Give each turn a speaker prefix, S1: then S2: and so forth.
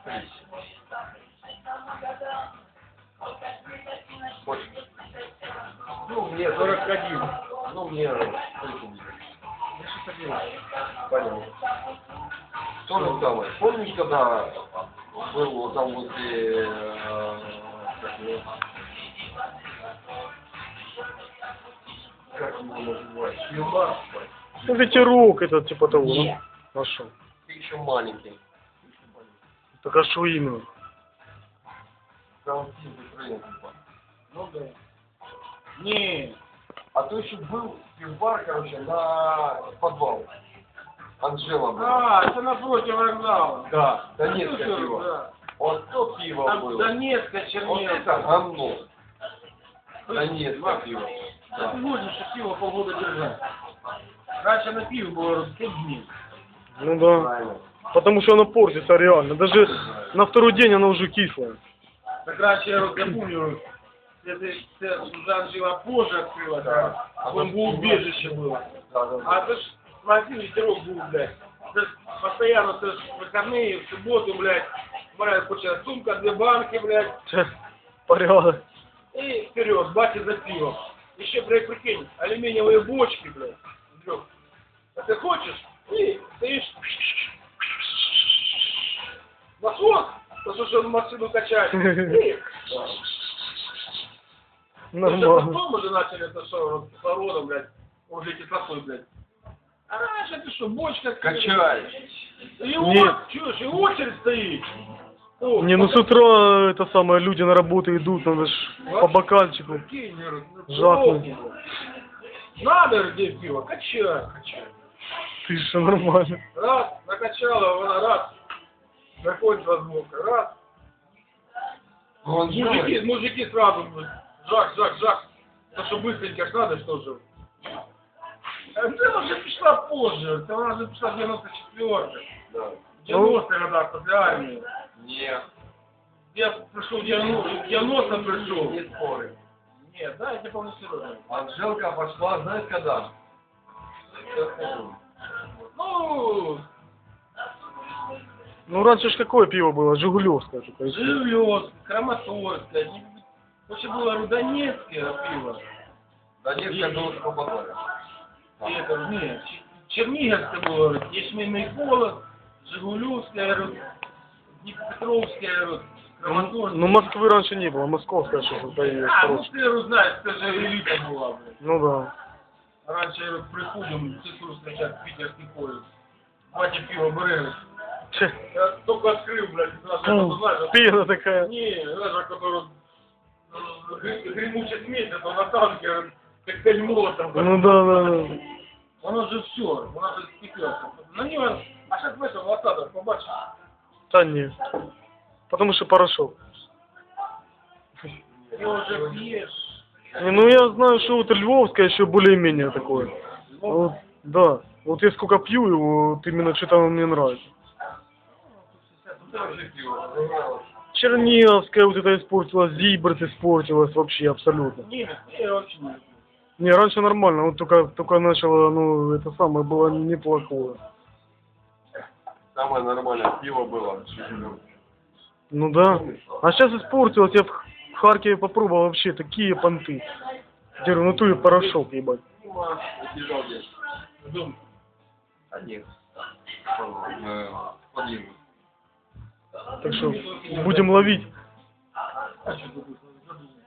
S1: Ну, мне 41. Ну, мне 30. Понял. То же самое. Помнишь, когда был вот там возле... как его называют? Юмор?
S2: Ну, ветерок этот, типа того,
S1: Нет.
S2: да? А шо?
S1: Ты еще маленький.
S2: Так а шо именно?
S1: Там типа.
S3: Ну да. Не.
S1: А то еще был пивбар, короче, на подвал. Анжела была.
S3: А, это напротив вокзала.
S1: Да, Донецкое
S3: Слушай,
S1: пиво.
S3: да.
S1: Вот то пиво
S3: Там
S1: было.
S3: Донецкая
S1: Вот
S3: чернила.
S1: это говно. Донецкое пиво.
S3: Да.
S1: Да.
S3: Ты можешь что пиво полгода держать. Раньше на пиво было 5 дней.
S2: Ну да.
S1: Правильно.
S2: Потому что оно портится реально. Даже на второй день оно уже кислое.
S3: Так раньше я помню, это Жанна жила позже открыла, да. Бомбоубежище было.
S1: Да, да,
S3: А
S1: да.
S3: это ж магазин ветерок был, блядь. Это ж постоянно это ж в выходные, в субботу, блядь. Моя куча сумка, 2 банки, блядь.
S2: Порядок.
S3: И вперед, батя за пивом. Еще, блядь, прикинь, алюминиевые бочки, блядь. Лёг. А ты хочешь? И стоишь. Насос, потому что он машину качает. И...
S2: Нормально.
S3: Потом уже начали это что, вот, кислородом, блядь, уже кислотой, блядь. А раньше ты что, бочка...
S1: Качай.
S3: И
S2: Нет.
S3: чушь, и очередь стоит. О,
S2: Не, ну с утра это самое, люди на работу идут, надо ж по бокальчику.
S3: прикинь, говорю, ну,
S2: Жахнуть.
S3: надо где пиво, качай.
S2: Ты что, нормально.
S3: Раз, накачала, она раз. Заходит возможно, раз.
S1: Он
S3: Мужики сразу, жак. Потому что быстренько ж надо, что же. Она уже пришла позже, она уже пришла в 94-м.
S1: Да.
S3: В 90-х годах после армии.
S1: Нет.
S3: Я пришел в 90-м пришел.
S1: Не споры.
S3: Нет, да, я не помню серьезно.
S1: Анжелка пошла, знаешь, когда? Сейчас скажу.
S3: Ну,
S2: Ну раньше ж какое пиво было? Жигулевское. только.
S3: Живлёвск, Краматорское, вообще было Рудонецкое пиво.
S1: Донецкая было по бокале.
S3: И это, нет, Черниговское было, Ячменный холод, Жигулевское, Днепропетровское, Краматорское.
S2: Ну Москвы раньше не было, московская что-то появилась.
S3: А, ну
S2: хорошая.
S3: ты знаешь, это же элита была, блядь.
S2: Ну да.
S3: Раньше приходим, цифру встречать, питерский поезд. Батя пиво берем.
S2: Че?
S3: Я только открыл, блядь, знаешь,
S2: Пена такая.
S3: не, знаешь, который гремучий смесь, это на танке, коктейль молотов.
S2: Ну да.
S3: Оно же все, оно же спекется. На него, а сейчас в этом лосадах побачишь.
S2: Да нет. Потому что порошок.
S3: Ты уже пьешь.
S2: Не, ну я знаю, что вот львовское еще более-менее такое. А вот, да. Вот я сколько пью его, вот именно что-то он мне нравится. Черниговская вот это испортилась, Зибрт испортилась вообще абсолютно.
S3: Не, я вообще не люблю.
S2: Не, раньше нормально, вот только начало, ну, это самое было неплохое.
S1: Самое нормальное пиво было.
S2: Ну да. А сейчас испортилось, я в Харькове попробовал вообще такие понты. Где в натуре порошок, ебать.
S1: Бежал где?
S3: Дом.
S1: Один. Один.
S2: Так что будем ловить.
S3: А что тут?